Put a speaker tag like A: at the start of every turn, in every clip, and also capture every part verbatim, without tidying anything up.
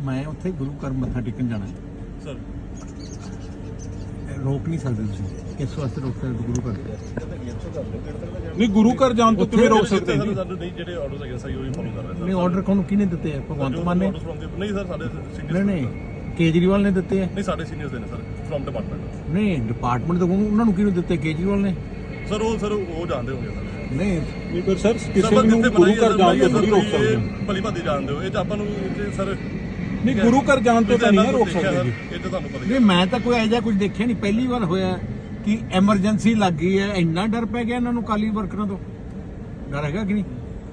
A: ਮੈਂ ਉੱਥੇ ਗੁਰੂ ਘਰ ਮੱਥਾ ਟੇਕਣ ਜਾਣਾ
B: ਸਰ।
A: ਰੋਕ ਨਹੀਂ ਸਕਦੇ ਤੁਸੀਂ, ਕਿਸ ਵਾਸਤੇ ਰੋਕ ਸਕਦੇ ਗੁਰੂ ਘਰ?
C: ਨਹੀਂ ਗੁਰੂ ਘਰ ਜਾਣ ਤੋਂ ਕਿਵੇਂ ਰੋਕ ਸਕਦੇ ਜੀ?
B: ਸਾਨੂੰ ਨਹੀਂ ਜਿਹੜੇ ਆਰਡਰਸ ਹੈਗੇ ਸਹੀ ਉਹੀ ਫੋਲੋ ਕਰ ਰਹੇ ਸਰ।
A: ਨਹੀਂ ਆਰਡਰ ਕੋਣ ਕਿਹਨੇ ਦਿੱਤੇ ਆ? ਭਗਵੰਤ ਮਾਨ ਨੇ?
B: ਨਹੀਂ ਸਰ, ਸਾਡੇ ਸੀਨੀਅਰਸ
A: ਨਹੀਂ ਨਹੀਂ ਕੇਜਰੀਵਾਲ ਨੇ ਦਿੱਤੇ ਆ?
B: ਨਹੀਂ ਸਾਡੇ ਸੀਨੀਅਰਸ ਦੇ ਨੇ ਸਰ, ਫਰਮ ਡਿਪਾਰਟਮੈਂਟ।
A: ਨਹੀਂ ਡਿਪਾਰਟਮੈਂਟ ਤੋਂ ਉਹਨਾਂ ਨੂੰ ਕਿਹਨੂੰ ਦਿੱਤੇ? ਕੇਜਰੀਵਾਲ ਨੇ
B: ਸਰ। ਉਹ ਸਰ ਉਹ ਜਾਣਦੇ ਹੋਗੇ ਸਰ।
A: ਨਹੀਂ
C: ਨਹੀਂ ਪਰ ਸਰ ਕਿਸੇ ਨੂੰ ਗੁਰੂ ਘਰ ਜਾਣ ਤੋਂ ਨਹੀਂ ਰੋਕ ਸਕਦੇ।
B: ਭਲੀ ਭਾਦੀ ਜਾਣਦੇ ਹੋ, ਇਹ ਤਾਂ ਆਪਾਂ ਨੂੰ ਸਰ
C: ਨਹੀਂ ਗੁਰੂ ਘਰ ਜਾਣ ਤੋਂ ਤਾਂ ਨਹੀਂ ਰੋਕ ਸਕਦੇ ਜੀ।
B: ਇਹ ਤਾਂ ਤੁਹਾਨੂੰ ਪਤਾ ਹੀ
A: ਨਹੀਂ, ਮੈਂ ਤਾਂ ਕੋਈ ਐਜਾ ਕੁਝ ਦੇਖਿਆ ਨਹੀਂ, ਪਹਿਲੀ ਵਾਰ ਹੋਇਆ ਕਿ ਐਮਰਜੈਂਸੀ ਲੱਗ ਗਈ ਹੈ, ਇੰਨਾ ਡਰ ਪੈ ਗਿਆ ਇਹਨਾਂ ਨੂੰ ਕਾਲੀ ਵਰਕਰਾਂ ਤੋਂ। ਡਰ ਹੈਗਾ ਕਿ ਨਹੀਂ?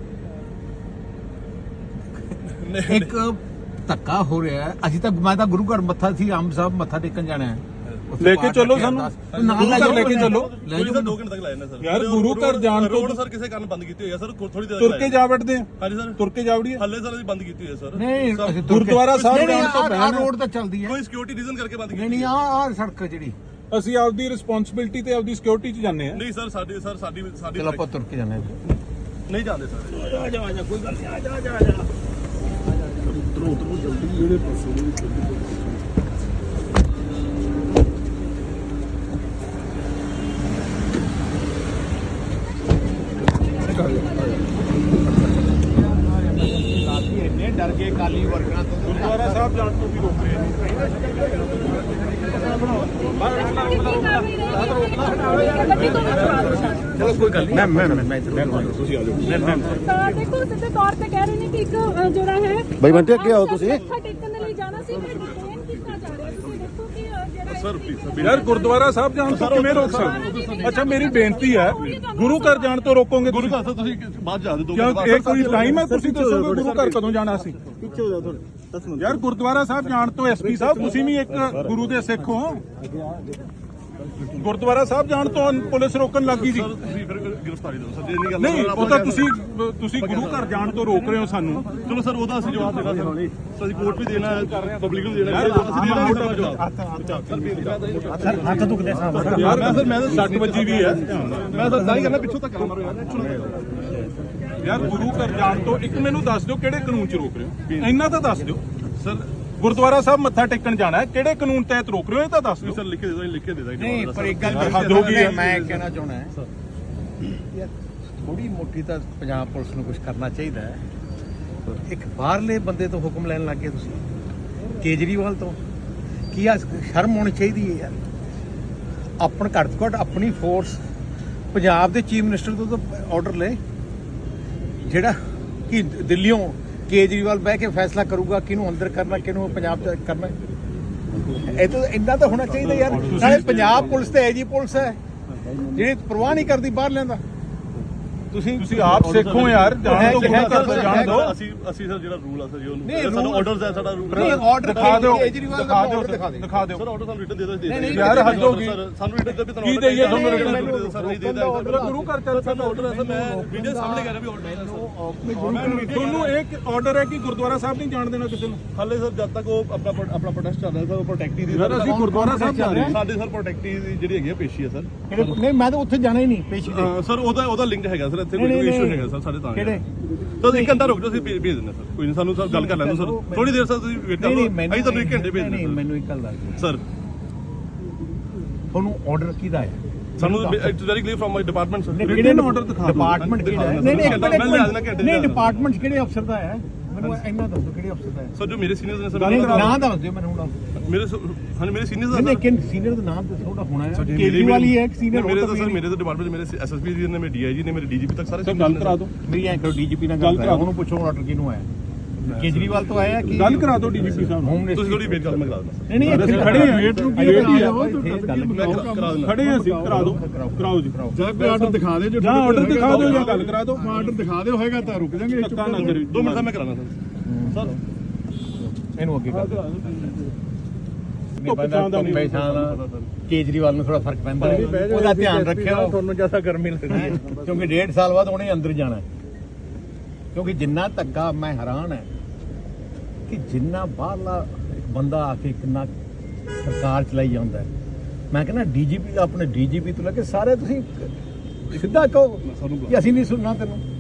A: ਇੱਕ ਧੱਕਾ ਹੋ ਰਿਹਾ ਹੈ। ਅਸੀਂ ਤਾਂ ਮੈਂ ਤਾਂ ਗੁਰੂ ਘਰ ਮੱਥਾ ਸੀ ਆਮ ਸਾਹਿਬ ਮੱਥਾ ਟੇਕਣ ਜਾਣਾ ਹੈ,
C: ਲੈ ਕੇ ਚੱਲੋ ਸਾਨੂੰ,
A: ਨਾਲ ਲੈ
C: ਲੈ ਕੇ ਚੱਲੋ।
A: ਲੈ ਜਾਓ
B: ਸਰ, ਦੋ ਘੰਟੇ ਤੱਕ ਲਾਏ ਨੇ ਸਰ।
C: ਯਾਰ ਗੁਰੂ ਘਰ ਜਾਣ ਤੋਂ
B: ਰੋਡ ਸਰ ਕਿਸੇ ਕਾਰਨ ਬੰਦ ਕੀਤੀ ਹੋਈ ਹੈ ਸਰ, ਥੋੜੀ ਦੇਰ
C: ਤੁਰ ਕੇ ਜਾ ਵੜਦੇ ਆ।
B: ਹਾਂਜੀ ਸਰ,
C: ਤੁਰ ਕੇ ਜਾ ਵੜੀਏ।
B: ਹੱਲੇ ਸਰ ਅਸੀਂ ਬੰਦ ਕੀਤੀ ਹੋਈ ਹੈ ਸਰ।
A: ਨਹੀਂ ਅਸੀਂ
C: ਗੁਰਦੁਆਰਾ ਸਾਹਿਬ ਜਾਣ ਤੋਂ
A: ਪਹਿਲਾਂ ਰੋਡ ਤਾਂ ਚੱਲਦੀ ਹੈ।
B: ਕੋਈ ਸਿਕਿਉਰਿਟੀ ਰੀਜ਼ਨ ਕਰਕੇ ਬੰਦ ਕੀਤੀ
A: ਨਹੀਂ ਨਹੀਂ ਆਹ ਆਹ ਸੜਕ ਜਿਹੜੀ
C: ਅਸੀਂ ਆਪਦੀ ਰਿਸਪੌਂਸਿਬਿਲਟੀ ਤੇ ਆਪਦੀ ਸਿਕਿਉਰਿਟੀ 'ਚ ਜਾਂਦੇ ਆ।
B: ਨਹੀਂ ਸਰ, ਸਾਡੀ ਸਰ ਸਾਡੀ ਸਾਡੀ
A: ਚਲੋ ਆਪਾਂ ਤੁਰ ਕੇ ਜਾਣਾ ਹੈ।
B: ਨਹੀਂ ਜਾਂਦੇ ਸਰ।
A: ਆ ਜਾ ਆ ਜਾ, ਕੋਈ ਗੱਲ ਨਹੀਂ, ਆ ਜਾ ਆ ਜਾ ਆ ਜਾ। ਉਤਰੋ ਉਤਰੋ ਜਲਦੀ, ਜਿਹੜੇ ਪਾਸੇ ਇੰਨੇ ਡਰ ਗਏ ਕਾਲੀ ਵਰਕਰਾਂ ਤੋਂ।
C: ਗੁਰਦੁਆਰਾ ਸਾਹਿਬ ਜਾਣ ਤੋਂ ਵੀ ਰੋਕ ਰਹੇ ਨੇ।
A: ਚਲੋ ਕੋਈ ਗੱਲ ਨਹੀਂ, ਮੈਂ ਮੈਂ ਮੈਂ
C: ਤੁਸੀਂ ਆ ਜਾਓ।
D: ਤਾਂ ਦੇਖੋ ਸਿੱਧੇ ਤੌਰ ਤੇ ਕਹਿ ਰਹੇ ਨੇ ਕਿ ਇੱਕ ਅ, ਜਿਹੜਾ ਹੈ
E: ਬਾਈ ਬੰਟੇ ਅੱਗੇ ਆਓ ਤੁਸੀਂ।
D: ਮੱਥਾ ਟੇਕਣ ਦੇ ਲਈ ਜਾਣਾ ਸੀ, ਮੈਂ ਡਿਟੇਨ ਕੀਤਾ ਜਾ ਰਿਹਾ। ਤੁਸੀਂ ਦੇਖੋ ਕਿ ਅ, ਜਿਹੜਾ
B: ਸਰ ਪਲੀਜ਼
C: ਯਾਰ ਗੁਰਦੁਆਰਾ ਸਾਹਿਬ ਜਾਣ ਤੋਂ ਕਿਵੇਂ ਰੋਕ ਸਕਦੇ? ਅੱਛਾ ਮੇਰੀ ਬੇਨਤੀ ਹੈ, ਗੁਰੂ ਘਰ ਜਾਣ ਤੋਂ ਰੋਕੋਗੇ
B: ਗੁਰੂ
C: ਤੁਸੀਂ?
B: ਘਰ ਸਰ ਤੁਸੀਂ ਬਾਅਦ ਜਾ ਦੇ ਦੋ
C: ਕਿਉਂ ਇਹ ਕੋਈ ਟਾਈਮ ਹੈ? ਤੁਸੀਂ ਦੱਸੋਗੇ ਗੁਰੂ ਘਰ ਕਦੋਂ ਜਾਣਾ ਸੀ?
E: ਪਿੱਛੇ ਹੋ ਜਾਓ ਥੋੜੇ ਦਸ ਮਿੰਟ।
C: ਯਾਰ ਗੁਰਦੁਆਰਾ ਸਾਹਿਬ ਜਾਣ ਤੋਂ ਐਸਪੀ ਸਾਹਿਬ ਤੁਸੀਂ ਵੀ ਇੱਕ ਗੁਰੂ ਦੇ ਸਿੱਖ ਹੋ। ਗੁਰਦੁਆਰਾ ਸਾਹਿਬ ਜਾਣ ਤੋਂ ਪੁਲਿਸ ਰੋਕਣ ਲੱਗੀ ਜੀ।
B: ਤੁਸੀਂ ਫਿਰ ਗ੍ਰਿਫਤਾਰੀ ਦਿਓ ਸਰ, ਜੇ ਨਹੀਂ ਗੱਲ
C: ਨਹੀਂ ਉਹ ਤਾਂ ਤੁਸੀਂ ਤੁਸੀਂ ਗੁਰੂ ਘਰ ਜਾਣ ਤੋਂ ਰੋਕ ਰਹੇ ਹੋ ਸਾਨੂੰ।
B: ਚਲੋ ਸਰ, ਉਹਦਾ ਅਸੀਂ ਜਵਾਬ ਦੇਣਾ ਸਰ। ਸਰ ਅਸੀਂ ਕੋਰਟ ਵੀ ਦੇਣਾ ਹੈ, ਪਬਲਿਕ ਨੂੰ ਦੇਣਾ ਹੈ, ਅਸੀਂ ਦੇਣਾ ਹੈ ਜਵਾਬ।
A: ਸਰ ਹੱਥ ਦੁਖਦੇ ਸਾਹਿਬ।
C: ਯਾਰ ਮੈਂ ਸਰ ਮੈਂ ਤਾਂ ਸੱਟ ਵੱਜੀ ਵੀ ਹੈ।
B: ਮੈਂ ਤਾਂ ਦਾਈ ਕਰਨਾ, ਪਿੱਛੋਂ ਤੱਕ ਮਾਰੋ ਯਾਰ।
C: ਯਾਰ ਗੁਰੂ ਘਰ ਜਾਣ ਤੋਂ ਇੱਕ ਮੈਨੂੰ ਦੱਸ ਦਿਓ ਕਿਹੜੇ ਕਾਨੂੰਨ 'ਚ ਰੋਕ ਰਹੇ ਹੋ? ਇੰਨਾ ਤਾਂ ਦੱਸ ਦਿਓ ਸਰ। ਗੁਰਦੁਆਰਾ ਸਾਹਿਬ ਮੱਥਾ ਟੇਕਣ ਜਾਣਾ ਹੈ, ਕਿਹੜੇ ਕਾਨੂੰਨ ਤਹਿਤ ਰੋਕ ਰਹੇ ਹੋ ਇਹ ਤਾਂ ਦੱਸ ਦਿਓ।
B: ਸਰ ਲਿਖ ਕੇ ਦੇ ਦੋ, ਲਿਖ ਕੇ ਦੇ ਦਾਂਗੇ।
A: ਨਹੀਂ ਪਰ ਇੱਕ ਗੱਲ
C: ਹੱਦ ਹੋ ਗਈ ਹੈ।
A: ਮੈਂ ਕਹਿਣਾ ਚਾਹੁੰਦਾ ਹਾਂ ਯਾਰ, ਥੋੜੀ ਮੋਟੀ ਤਾਂ ਪੰਜਾਬ ਪੁਲਿਸ ਨੂੰ ਕੁਝ ਕਰਨਾ ਚਾਹੀਦਾ ਹੈ। ਇੱਕ ਬਾਹਰਲੇ ਬੰਦੇ ਤੋਂ ਹੁਕਮ ਲੈਣ ਲੱਗ ਗਏ ਤੁਸੀਂ, ਕੇਜਰੀਵਾਲ ਤੋਂ। ਕੀ ਆ ਸ਼ਰਮ ਹੋਣੀ ਚਾਹੀਦੀ ਹੈ ਯਾਰ। ਆਪਣ ਘੱਟ ਤੋਂ ਘੱਟ ਆਪਣੀ ਫੋਰਸ, ਪੰਜਾਬ ਦੇ ਚੀਫ ਮਿਨਿਸਟਰ ਤੋਂ ਤਾਂ ਆਰਡਰ ਲੈ, ਜਿਹੜਾ ਕਿ ਦਿੱਲੀੋਂ ਕੇਜਰੀਵਾਲ ਬਹਿ ਕੇ ਫੈਸਲਾ ਕਰੂਗਾ ਕਿਹਨੂੰ ਅੰਦਰ ਕਰਨਾ, ਕਿਹਨੂੰ ਪੰਜਾਬ ਚ ਕਰਨਾ। ਇਹ ਤਾਂ ਇੰਨਾ ਤਾਂ ਹੋਣਾ ਚਾਹੀਦਾ ਯਾਰ। ਨਾਲੇ ਪੰਜਾਬ ਪੁਲਿਸ ਤੇ ਐਜੀ ਪੁਲਿਸ ਹੈ ਜਿਹੜੀ ਪਰਵਾਹ ਨਹੀਂ ਕਰਦੀ ਬਾਹਰ ਲੈਂਦਾ। ਤੁਸੀਂ
C: ਤੁਸੀਂ ਆਪ ਸਿੱਖੋ ਯਾਰ, ਜਾਣ ਤੋਂ ਗੁਰੂ ਘਰ ਤੋਂ ਜਾਣ ਦਿਓ।
B: ਅਸੀਂ ਅਸੀਂ ਸਰ ਜਿਹੜਾ ਰੂਲ ਆ ਸਰ ਜੀ ਉਹਨੂੰ
A: ਨਹੀਂ,
B: ਸਾਡਾ
A: rule-
B: ਆਰਡਰਸ ਹੈ, ਸਾਡਾ ਰੂਲ
A: ਨਹੀਂ ਆਰਡਰ
C: ਦਿਖਾ ਦਿਓ,
A: ਕੇਜਰੀਵਾਲ ਦਾ
C: ਦਿਖਾ ਦਿਓ,
A: ਆਰਡਰ ਦਿਖਾ ਦੇ।
C: ਦਿਖਾ ਦਿਓ
B: ਸਰ ਆਰਡਰ ਸਾਨੂੰ ਰਿਟਨ ਦੇ ਦੋ।
A: ਨਹੀਂ, ਨਹੀਂ,
C: ਯਾਰ ਹੱਦ ਹੋ ਗਈ।
B: ਸਾਨੂੰ ਰਿਟਨ ਦੇ ਵੀ ਤੁਹਾਨੂੰ
C: ਕੀ ਦੇਈਏ ਤੁਹਾਨੂੰ
B: ਰਿਟਨ
C: ਰਿਟਨ?
B: ਸਰ ਨਹੀਂ ਦੇਦਾ
C: ਗੁਰੂ ਘਰ ਚੱਲ
B: ਸਾਡਾ ਆਰਡਰ ਹੈ ਸਰ। ਮੈਂ ਵੀਡੀਓ ਸਾਹਮਣੇ ਕਰ ਰਿਹਾ ਵੀ ਆਰਡਰ ਹੈ ਸਰ।
C: ਤੁਹਾਨੂੰ ਇੱਕ ਆਰਡਰ ਹੈ ਕਿ ਗੁਰਦੁਆਰਾ ਸਾਹਿਬ ਨਹੀਂ ਜਾਣ ਦੇਣਾ ਕਿਸੇ ਨੂੰ।
B: ਹਾਲੇ ਸਰ ਜਦ ਤੱਕ ਉਹ ਆਪਣਾ ਆਪਣਾ ਪ੍ਰੋਟੈਸਟ ਚੱਲ ਰਿਹਾ ਸਰ, ਉਹ ਪ੍ਰੋਟੈਕਟੀ ਦੀ
C: ਯਾਰ ਅਸੀਂ ਗੁਰਦੁਆਰਾ ਸਾਹਿਬ ਜਾ ਰਹੇ ਹਾਂ।
B: ਸਾਡੇ ਸਰ ਪ੍ਰੋਟੈਕਟੀ ਦੀ ਜਿਹੜੀ ਹੈਗੀ ਆ ਪੇਸ਼ੀ ਹੈ ਸਰ।
A: ਨਹੀਂ ਮੈਂ ਤਾਂ ਉੱਥੇ ਜਾਣਾ ਹੀ ਨਹੀਂ ਪੇਸ਼ੀ ਤੇ।
B: ਸਰ ਉਹਦਾ ਉਹਦਾ ਲਿੰਕ ਹੈਗਾ ਸਰ, ਇੱਥੇ ਕੋਈ ਇਸ਼ੂ ਹੈਗਾ ਸਰ ਸਾਡੇ ਤਾਂ।
A: ਕਿਹੜੇ?
B: ਤਾਂ ਇੱਕ ਘੰਟਾ ਰੁਕ ਜਾਓ, ਅਸੀਂ ਭੇਜ ਭੇਜ ਦਿੰਦੇ ਸਰ। ਕੋਈ ਨਹੀਂ, ਸਾਨੂੰ ਸਰ ਗੱਲ ਕਰ ਲੈਣ ਦਿਓ ਸਰ, ਥੋੜੀ ਦੇਰ ਸਰ ਤੁਸੀਂ ਵੇਟ ਕਰ ਲਓ। ਅਸੀਂ ਤੁਹਾਨੂੰ ਇੱਕ ਘੰਟੇ ਭੇਜ
A: ਨਹੀਂ
B: ਦਿੰਦੇ
A: ਮੈਨੂੰ ਇੱਕ ਗੱਲ ਦੱਸ
B: ਸਰ।
A: ਤੁਹਾਨੂੰ ਆਰਡਰ ਕਿਹਦਾ ਹੈ?
B: ਸਾਨੂੰ it's very clear from my department sir.
A: ਕਿਹੜੇ
C: ਆਰਡਰ ਦਿਖਾ ਦਿਓ।
A: ਡਿਪਾਰਟਮੈਂਟ ਕਿਹੜਾ ਹੈ? ਨਹੀਂ ਨਹੀਂ ਇੱਕ ਮਿੰਟ, ਨਹੀਂ ਡਿਪਾਰਟਮੈਂਟ ਕਿਹੜੇ ਅਫਸਰ ਦਾ ਹੈ? ਮੈਨੂੰ ਇੰਨਾ ਦੱਸੋ ਕਿਹੜੇ ਅਫਸਰ ਦਾ ਹੈ।
B: ਸਰ ਜੋ ਮੇਰੇ ਸੀਨੀਅਰਸ ਨੇ ਸਰ,
A: ਨਾਮ ਦੱਸ ਦਿਓ ਮੈਨੂੰ ਹੁਣ।
B: ਮੇਰੇ ਹਾਂ ਮੇਰੇ ਸੀਨੀਅਰਸ
A: ਨਹੀਂ
B: ਦਾ
A: ਨਹੀਂ ਕਿ ਸੀਨੀਅਰ ਦਾ ਨਾਮ ਦੱਸੋ, ਉਹਦਾ ਹੋਣਾ ਹੈ। ਕੇਜਰੀਵਾਲ ਹੀ ਹੈ ਇੱਕ ਸੀਨੀਅਰ।
B: ਮੇਰੇ ਤਾਂ ਸਰ ਮੇਰੇ ਤਾਂ ਡਿਪਾਰਟਮੈਂਟ ਮੇਰੇ ਐਸਐਸਪੀ ਜੀ ਨੇ, ਮੇਰੇ ਡੀਆਈਜੀ ਨੇ, ਮੇਰੇ ਡੀਜੀਪੀ ਤੱਕ ਸਾਰੇ
C: ਸਰ ਗੱਲ ਕਰਾ ਦਿਓ।
A: ਮੇਰੀ ਐਂ ਕਰੋ, ਡੀਜੀਪੀ ਨਾਲ ਗੱਲ ਕਰਾ, ਉਹਨੂੰ ਪੁੱਛੋ ਆਰਡਰ ਕਿਹਨੂੰ ਆਇਆ। ਕੇਜਰੀਵਾਲ ਤੋਂ ਆਇਆ ਕਿ
C: ਗੱਲ ਕਰਾ ਦਿਓ ਡੀਜੀਪੀ ਸਾਹਿਬ ਨੂੰ।
A: Home minister?
B: ਤੁਸੀਂ ਥੋੜੀ ਵੇਟ ਕਰ, ਮੈਂ ਕਰਾ ਦਿੰਦਾ
A: ਨਹੀਂ ਨਹੀਂ
C: ਅਸੀਂ ਖੜੇ ਹਾਂ, ਵੇਟ ਨੂੰ ਕੀ
A: ਵੇਟ ਹੀ
C: ਕਰਾ
A: ਆ,
C: ਦਿਓ।
A: ਗੱਲ
B: ਮੈਂ ਕਰਾ ਦਿੰਦਾ।
C: ਖੜੇ ਹਾਂ ਅਸੀਂ, ਕਰਾ ਦਿਓ, ਕਰਾਓ ਜੀ।
E: ਜਾਂ ਕੋਈ ਆਰਡਰ ਦਿਖਾ ਦੇ, ਜੋ
C: ਜਾਂ ਆਰਡਰ ਦਿਖਾ ਦਿਓ ਜਾਂ ਗੱਲ ਕਰਾ ਦਿਓ।
E: ਆਰਡਰ ਦਿਖਾ ਦਿਓ ਹੋਏਗਾ ਤਾਂ ਰੁਕ ਜਾਾਂਗੇ।
C: ਧੱਕਾ ਨਾ ਕਰਿਓ।
B: ਦੋ ਮਿੰਟ ਦਾ ਮੈਂ ਕਰਾਣਾ ਸਰ। ਸਰ
A: ਇਹਨੂੰ ਅੱਗੇ ਕਰ ਦਿਓ।
C: ਧੁੱਪ ਛਾਂ ਦਾ ਨਹੀਂ।
A: ਕੇਜਰੀਵਾਲ ਨੂੰ ਥੋੜਾ ਫਰਕ ਪੈਂਦਾ ਹੈ, ਉਹਦਾ ਧਿਆਨ ਰੱਖਿਓ। ਤੁਹਾਨੂੰ ਜ਼ਿਆਦਾ ਗਰਮੀ ਲੱਗਦੀ ਹੈ ਕਿਉਂਕਿ ਡੇਢ ਸਾਲ ਬਾਅਦ ਉਹਨੇ ਅੰਦਰ ਜਾਣਾ ਹੈ। ਕਿਉਂਕਿ ਜਿੰਨਾ ਧੱਕਾ, ਮੈਂ ਹੈਰਾਨ ਹੈ ਕਿ ਜਿੰਨਾ ਬਾਹਰਲਾ ਇੱਕ ਬੰਦਾ ਆ ਕੇ ਕਿੰਨਾ ਸਰਕਾਰ ਚਲਾਈ ਜਾਂਦਾ ਹੈ। ਮੈਂ ਕਹਿੰਦਾ ਡੀਜੀਪੀ ਦਾ, ਆਪਣੇ ਡੀਜੀਪੀ ਤੋਂ ਲੈ ਕੇ ਸਾਰੇ ਤੁਸੀਂ ਸਿੱਧਾ ਕਹੋ ਕਿ ਅਸੀਂ ਨਹੀਂ ਸੁਣਨਾ ਤੈਨੂੰ।